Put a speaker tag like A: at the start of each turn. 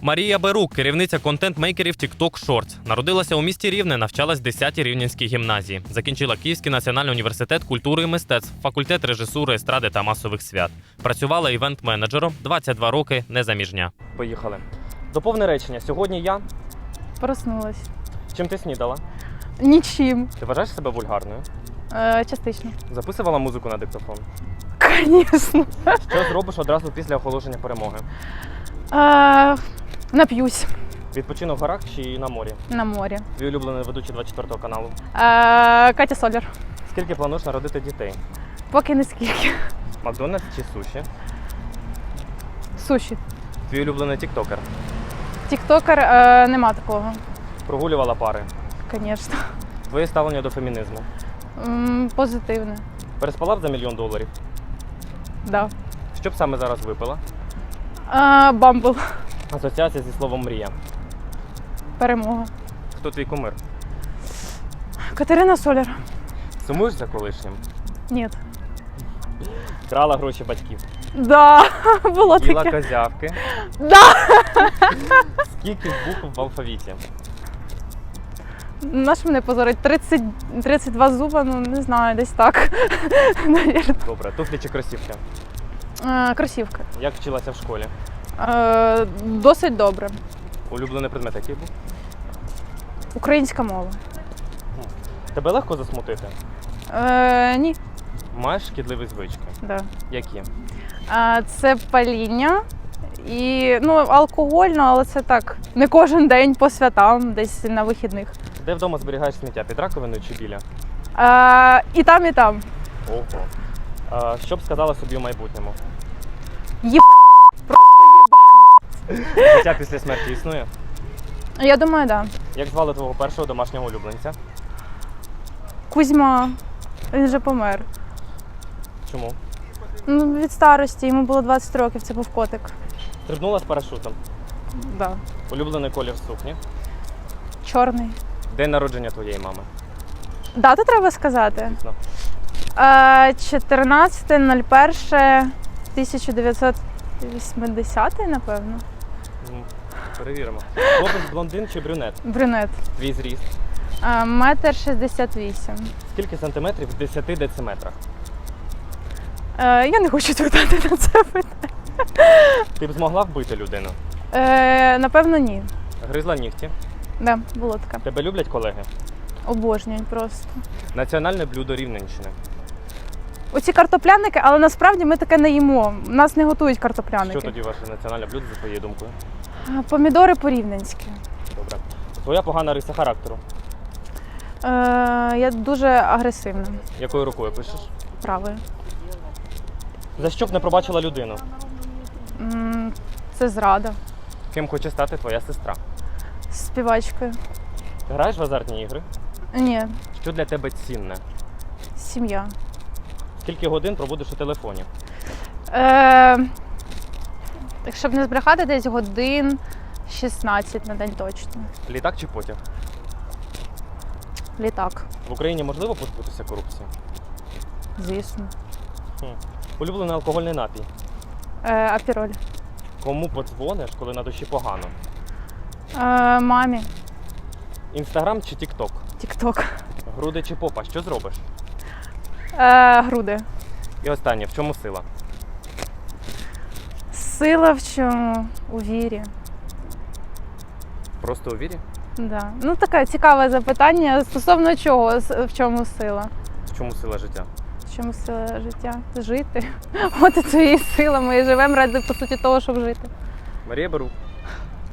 A: Марія Берук, керівниця контент-мейкерів TikTok Shorts. Народилася у місті Рівне, навчалась в 10-й Рівненській гімназії. Закінчила Київський національний університет культури і мистецтв, факультет режисури, естради та масових свят. Працювала івент-менеджером, 22 роки, незаміжня. Поїхали. Доповни речення. Сьогодні я...
B: Проснулась.
A: Чим ти снідала?
B: Нічим.
A: Ти вважаєш себе вульгарною?
B: Частично.
A: Записувала музику на диктофон?
B: Звісно.
A: Що зробиш одразу після оголошення перемоги?
B: Нап'юсь.
A: Відпочинок в горах чи на морі?
B: На морі.
A: Твій улюблений ведучий 24 каналу?
B: Катя Соляр.
A: Скільки плануєш народити дітей?
B: Поки не скільки.
A: Макдональдс чи суші?
B: Суші.
A: Твій улюблений тіктокер?
B: Тіктокер нема такого.
A: Прогулювала пари?
B: Звісно.
A: Твоє ставлення до фемінізму?
B: Позитивне.
A: Переспала б за $1 мільйон?
B: Да.
A: Що б саме зараз випила?
B: Бамбл.
A: Асоціація зі словом мрія.
B: Перемога.
A: Хто твій кумир?
B: Катерина Соляр.
A: Сумуєш за колишнім?
B: Ні.
A: Крала гроші батьків?
B: Да, було
A: Їла
B: таке.
A: козявки?
B: Да.
A: Скільки букв в алфавіті?
B: На що мене позорить? 32 зуба, ну не знаю, десь так. Навірно.
A: Добре. Туфлі чи кросівки?
B: Кросівки.
A: Як вчилася в школі?
B: Досить добре.
A: Улюблений предмет який був?
B: Українська мова.
A: Тебе легко засмутити?
B: Ні.
A: Маєш шкідливі звички?
B: Да.
A: Які?
B: Це паління і алкогольно, але це так, не кожен день по святам, десь на вихідних.
A: Де вдома зберігаєш сміття? Під раковиною чи біля?
B: І там, і там.
A: Ого. Що б сказала собі у майбутньому? Життя після смерті існує?
B: Я думаю, так. Да.
A: Як звали твого першого домашнього улюбленця?
B: Кузьма, він вже помер.
A: Чому?
B: Від старості, йому було 20 років, це був котик.
A: Стрибнула з парашутом?
B: Да.
A: Улюблений колір сукні?
B: Чорний.
A: День народження твоєї мами?
B: Дату треба сказати?
A: Звісно.
B: 14.01.1980, напевно.
A: Перевіримо. Хлопець блондин чи брюнет?
B: Брюнет.
A: Твій зріст?
B: 1,68 м.
A: Скільки сантиметрів в 10 дециметрах?
B: Я не хочу відповідати на це питання.
A: Ти б змогла вбити людину?
B: Напевно, ні.
A: Гризла нігті?
B: Да, було таке.
A: Тебе люблять колеги?
B: Обожнюють просто.
A: Національне блюдо Рівненщини?
B: Оці картопляники, але насправді ми таке не їмо. Нас не готують картопляники.
A: Що тоді ваше національне блюдо, за твоєю думкою?
B: Помідори по-рівненськи.
A: Добре. Твоя погана риса характеру?
B: Я дуже агресивна.
A: Якою рукою пишеш?
B: Правою.
A: За що б не пробачила людину?
B: Це зрада.
A: Ким хоче стати твоя сестра?
B: Співачкою.
A: Ти граєш в азартні ігри?
B: Ні.
A: Що для тебе цінне?
B: Сім'я.
A: Скільки годин проводиш у телефоні?
B: Якщо б не збрехати, десь годин 16 на день точно.
A: Літак чи потяг?
B: Літак.
A: В Україні можливо позбутися корупції?
B: Звісно.
A: Улюблений алкогольний напій?
B: Апіроль.
A: Кому подзвониш, коли на душі погано?
B: Мамі.
A: Інстаграм чи Тікток?
B: Тікток.
A: Груди чи попа? Що зробиш?
B: Груди.
A: І останнє, в чому сила?
B: Сила в чому? У вірі.
A: Просто у вірі?
B: Да. Таке цікаве запитання. Стосовно чого? В чому сила?
A: В чому сила життя?
B: В чому сила життя? Жити. От і це і сила. Ми живемо ради, по суті, того, щоб жити.
A: Марія Берук.